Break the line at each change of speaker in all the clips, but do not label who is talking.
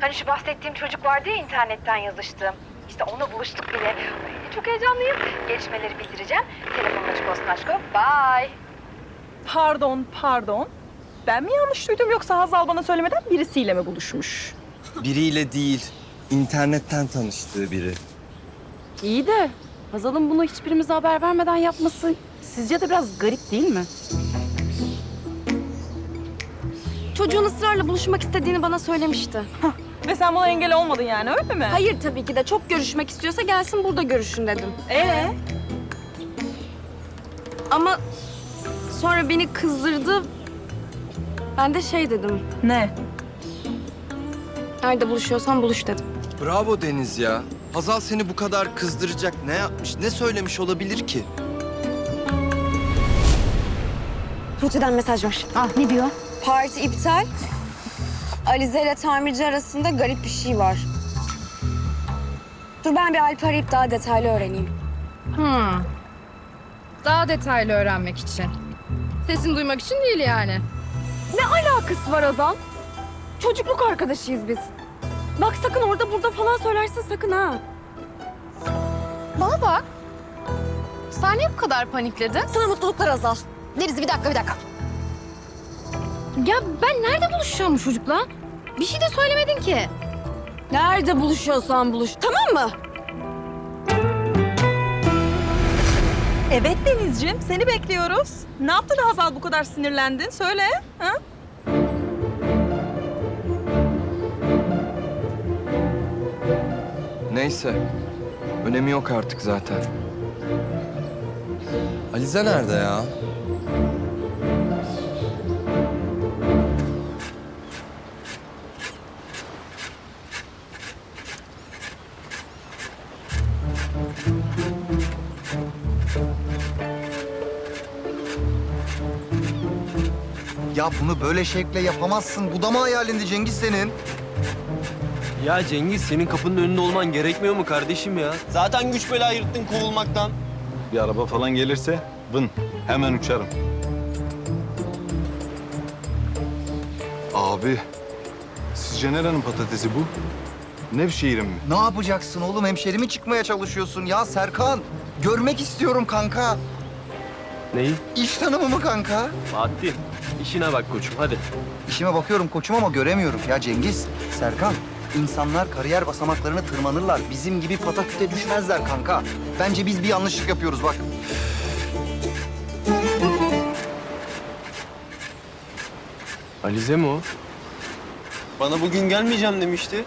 Hani şu bahsettiğim çocuk vardı ya, internetten yazıştığım. İşte onunla buluştuk bile. Ay, çok heyecanlıyım. Gelişmeleri bildireceğim. Telefonun açık olsun aşko. Bye.
Pardon. Ben mi yanlış duydum yoksa Hazal bana söylemeden birisiyle mi buluşmuş?
Biriyle değil, internetten tanıştığı biri.
İyi de Hazal'ın bunu hiçbirimize haber vermeden yapması sizce de biraz garip değil mi?
Çocuğun ısrarla buluşmak istediğini bana söylemişti.
Ve sen buna engel olmadın yani, öyle mi?
Hayır tabii ki de çok görüşmek istiyorsa gelsin burada görüşün dedim. Ama sonra beni kızdırdı. Ben de şey dedim.
Ne?
Nerede buluşuyorsan buluş dedim.
Bravo Deniz ya. Hazal seni bu kadar kızdıracak ne yapmış, ne söylemiş olabilir ki?
Tuğçe'den mesaj var.
Ne diyor?
Parti iptal. Alize ile tamirci arasında garip bir şey var. Dur ben bir Alp'i arayıp daha detaylı öğreneyim.
Daha detaylı öğrenmek için. Sesini duymak için değil yani.
Alakası var Azal. Çocukluk arkadaşıyız biz. Bak sakın orada burada falan söylersin sakın ha.
Bana bak. Sen niye bu kadar panikledin?
Sana mutluluklar Azal.
Deniz bir dakika. Ya ben nerede buluşacağım bu çocukla? Bir şey de söylemedin ki.
Nerede buluşuyorsan buluş. Tamam mı?
Evet Denizciğim, seni bekliyoruz. Ne yaptı da Hazal bu kadar sinirlendin? Söyle. Ha?
Neyse, önemi yok artık zaten. Alize nerede ya?
Ya bunu böyle şekle yapamazsın. Bu da mı hayalindi Cengiz senin?
Ya Cengiz senin kapının önünde olman gerekmiyor mu kardeşim ya? Zaten güç bela yırttın kovulmaktan.
Bir araba falan gelirse vın hemen uçarım. Abi, sizce nerenin patatesi bu? Nevşehir'in mi?
Ne yapacaksın oğlum? Hemşerimi çıkmaya çalışıyorsun. Ya Serkan, görmek istiyorum kanka.
Neyi?
İş tanımı mı kanka?
Fatih, işine bak koçum hadi.
İşime bakıyorum koçum ama göremiyorum. Ya Cengiz, Serkan, insanlar kariyer basamaklarını tırmanırlar. Bizim gibi pataküte düşmezler kanka. Bence biz bir yanlışlık yapıyoruz bak.
Alize mi o? Bana bugün gelmeyeceğim demişti.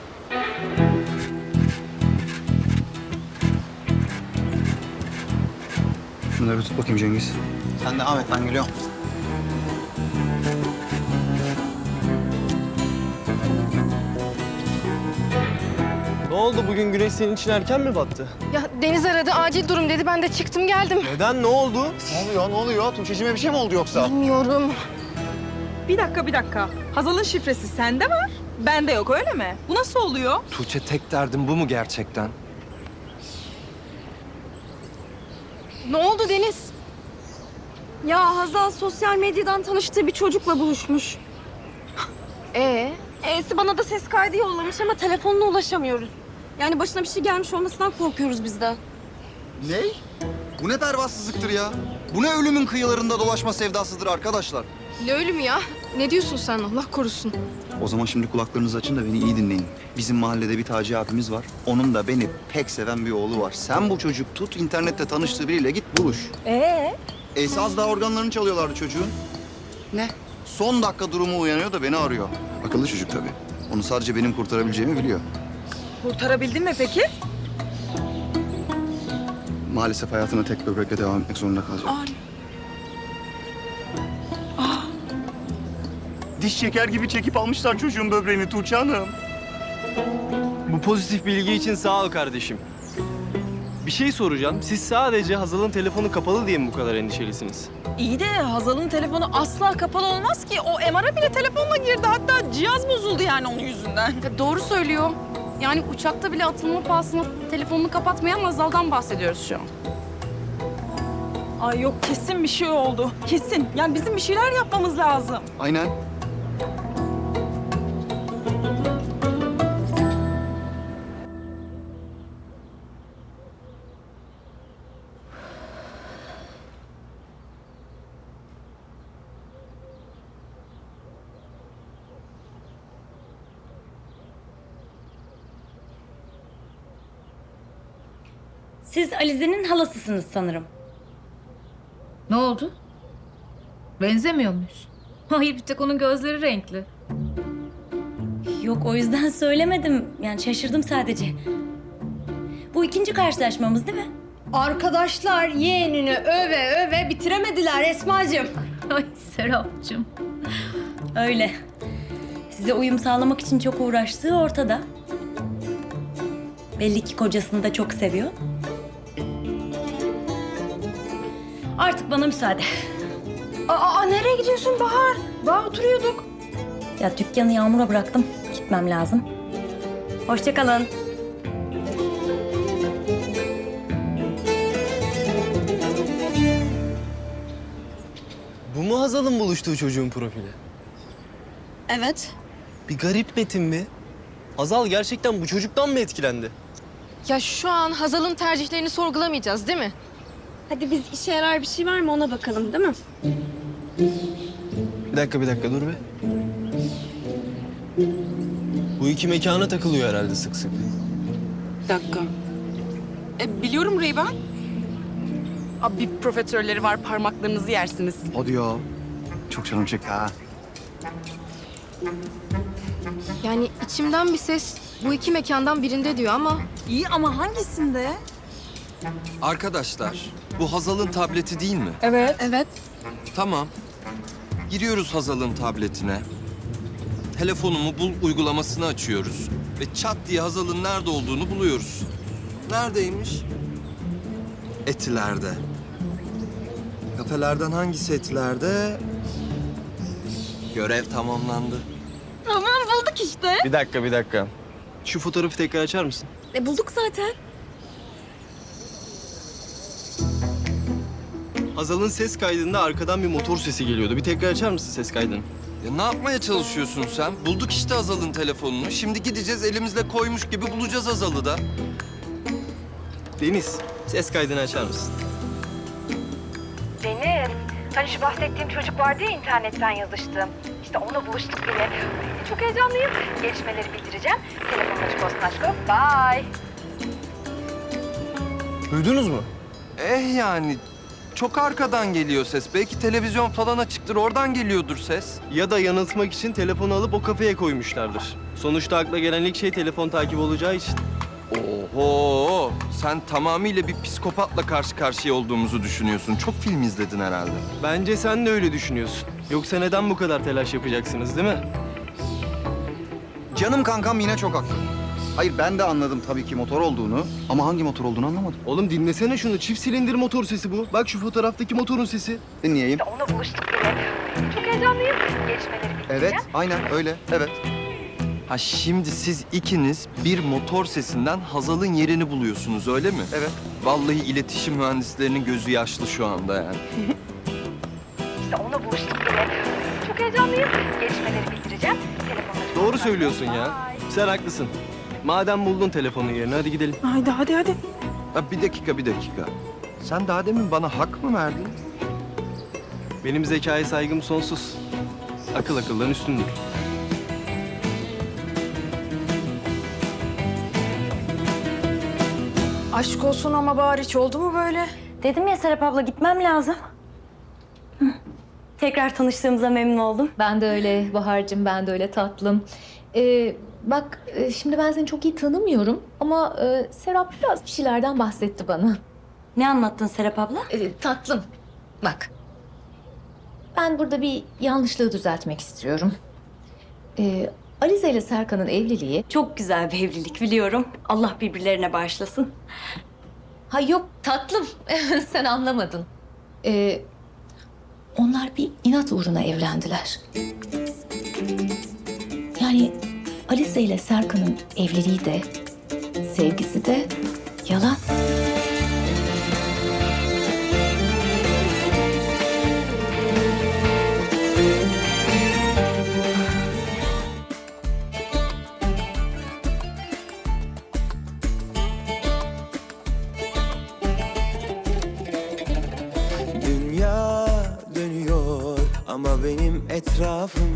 Şunları bir tut bakayım Cengiz. Sen de Ahmet, ben geliyorum.
Ne oldu bugün güneş senin için erken mi battı?
Ya Deniz aradı, acil durum dedi. Ben de çıktım geldim.
Neden, ne oldu?
Ne oluyor? Tuğçe'cime bir şey mi oldu yoksa?
Bilmiyorum.
Bir dakika. Hazal'ın şifresi sende var, bende yok, öyle mi? Bu nasıl oluyor?
Tuğçe, tek derdin bu mu gerçekten?
Ne oldu Deniz?
Ya Hazal sosyal medyadan tanıştığı bir çocukla buluşmuş. E'si bana da ses kaydı yollamış ama telefonuna ulaşamıyoruz. Yani başına bir şey gelmiş olmasından korkuyoruz biz de.
Ne? Bu ne pervasızlıktır ya? Bu ne ölümün kıyılarında dolaşma sevdasıdır arkadaşlar?
Ne ölüm ya? Ne diyorsun sen? Allah korusun.
O zaman şimdi kulaklarınızı açın da beni iyi dinleyin. Bizim mahallede bir Taci abimiz var. Onun da beni pek seven bir oğlu var. Sen bu çocuk tut, internette tanıştığı biriyle git buluş. Az daha organlarını çalıyorlardı çocuğun. Ne? Son dakika durumu uyanıyor da beni arıyor. Akıllı çocuk tabii. Onu sadece benim kurtarabileceğimi biliyor.
Kurtarabildin mi peki?
Maalesef hayatına tek böbrekle devam etmek zorunda kalacak. Diş şeker gibi çekip almışlar çocuğun böbreğini Tuğçe Hanım.
Bu pozitif bilgi için sağ ol kardeşim. Bir şey soracağım. Siz sadece Hazal'ın telefonu kapalı diye mi bu kadar endişelisiniz?
İyi de Hazal'ın telefonu asla kapalı olmaz ki. O MR'a bile telefonla girdi. Hatta cihaz bozuldu yani onun yüzünden.
Ya doğru söylüyor. Yani uçakta bile atılma pahasına telefonunu kapatmayan Hazal'dan bahsediyoruz şu an.
Ay yok, kesin bir şey oldu. Kesin. Yani bizim bir şeyler yapmamız lazım.
Aynen.
Siz Alize'nin halasısınız sanırım.
Ne oldu? Benzemiyor muyuz? Hayır, bir tek onun gözleri renkli.
Yok, o yüzden söylemedim. Yani şaşırdım sadece. Bu ikinci karşılaşmamız değil mi?
Arkadaşlar yeğenini öve öve bitiremediler Esma'cığım.
Ay Serapcığım.
Öyle. Size uyum sağlamak için çok uğraştığı ortada. Belli ki kocasını da çok seviyor. Artık bana müsaade.
Aa nereye gidiyorsun Bahar? Daha oturuyorduk.
Ya dükkanı Yağmur'a bıraktım. Gitmem lazım. Hoşça kalın.
Bu mu Hazal'ın buluştuğu çocuğun profili?
Evet.
Bir garip Metin mi? Hazal gerçekten bu çocuktan mı etkilendi?
Ya şu an Hazal'ın tercihlerini sorgulamayacağız değil mi?
Hadi biz işe yarar bir şey var mı ona bakalım değil mi?
Bir dakika dur be. Bu iki mekana takılıyor herhalde sık sık.
Bir dakika. Biliyorum Reyben. Abi bir profiterolleri var, parmaklarınızı yersiniz.
Hadi ya. Çok canım çekti ha.
Yani içimden bir ses bu iki mekandan birinde diyor ama...
İyi ama hangisinde?
Arkadaşlar, bu Hazal'ın tableti değil mi?
Evet. Evet.
Tamam. Giriyoruz Hazal'ın tabletine. Telefonumu bul uygulamasını açıyoruz. Ve çat diye Hazal'ın nerede olduğunu buluyoruz. Neredeymiş? Etiler'de. Kafelerden hangisi Etiler'de? Görev tamamlandı.
Tamam bulduk işte.
Bir dakika. Şu fotoğrafı tekrar açar mısın?
Bulduk zaten.
Hazal'ın ses kaydında arkadan bir motor sesi geliyordu. Bir tekrar açar mısın ses kaydını?
Ya ne yapmaya çalışıyorsun sen? Bulduk işte Hazal'ın telefonunu. Şimdi gideceğiz elimizle koymuş gibi bulacağız Hazal'ı da.
Deniz, ses kaydını açar mısın?
Deniz, hani şu bahsettiğim çocuk vardı ya internetten yazıştığım. İşte onunla buluştuk bile. Ay, çok heyecanlıyım. Gelişmeleri bildireceğim. Telefonun açık olsun aşkım. Bye.
Duydunuz mu?
Yani çok arkadan geliyor ses. Belki televizyon falan açıktır, oradan geliyordur ses.
Ya da yanıltmak için telefonu alıp o kafeye koymuşlardır. Sonuçta akla gelen ilk şey telefon takibi olacağı için.
Oho! Sen tamamıyla bir psikopatla karşı karşıya olduğumuzu düşünüyorsun. Çok film izledin herhalde.
Bence sen de öyle düşünüyorsun. Yoksa neden bu kadar telaş yapacaksınız değil mi?
Canım kankam yine çok haklı. Hayır ben de anladım tabii ki motor olduğunu ama hangi motor olduğunu anlamadım.
Oğlum dinlesene şunu. Çift silindir motor sesi bu. Bak şu fotoğraftaki motorun sesi.
Dinleyeyim.
İşte onunla buluştuk bile. Ay, çok heyecanlıyım. Gelişmeleri bildireceğim.
Evet aynen öyle evet.
Ha şimdi siz ikiniz bir motor sesinden Hazal'ın yerini buluyorsunuz öyle mi?
Evet.
Vallahi iletişim mühendislerinin gözü yaşlı şu anda yani.
İşte onunla buluştuk bile. Ay, çok heyecanlıyım. Gelişmeleri bildireceğim. Telefonun açık
Doğru
olsun
söylüyorsun
aşkım.
ya.
Bye.
Sen haklısın. Madem buldun telefonun yerini hadi gidelim.
Haydi hadi.
Ha, bir dakika. Sen daha demin bana hak mı verdin?
Benim zekaya saygım sonsuz. Akıl akıldan üstündür.
Aşk olsun ama Bahar hiç oldu mu böyle?
Dedim ya Serap abla, gitmem lazım. Hı. Tekrar tanıştığımıza memnun oldum.
Ben de öyle Bahar'cığım, ben de öyle tatlım. Bak şimdi ben seni çok iyi tanımıyorum ama Serap biraz bir şeylerden bahsetti bana.
Ne anlattın Serap abla?
Tatlım, bak. Ben burada bir yanlışlığı düzeltmek istiyorum. Alize ile Serkan'ın evliliği...
Çok güzel bir evlilik biliyorum. Allah birbirlerine bağışlasın.
Ha yok tatlım, sen anlamadın. Onlar bir inat uğruna evlendiler. Yani Alize ile Serkan'ın evliliği de, sevgisi de yalan.
Dünya dönüyor ama benim etrafım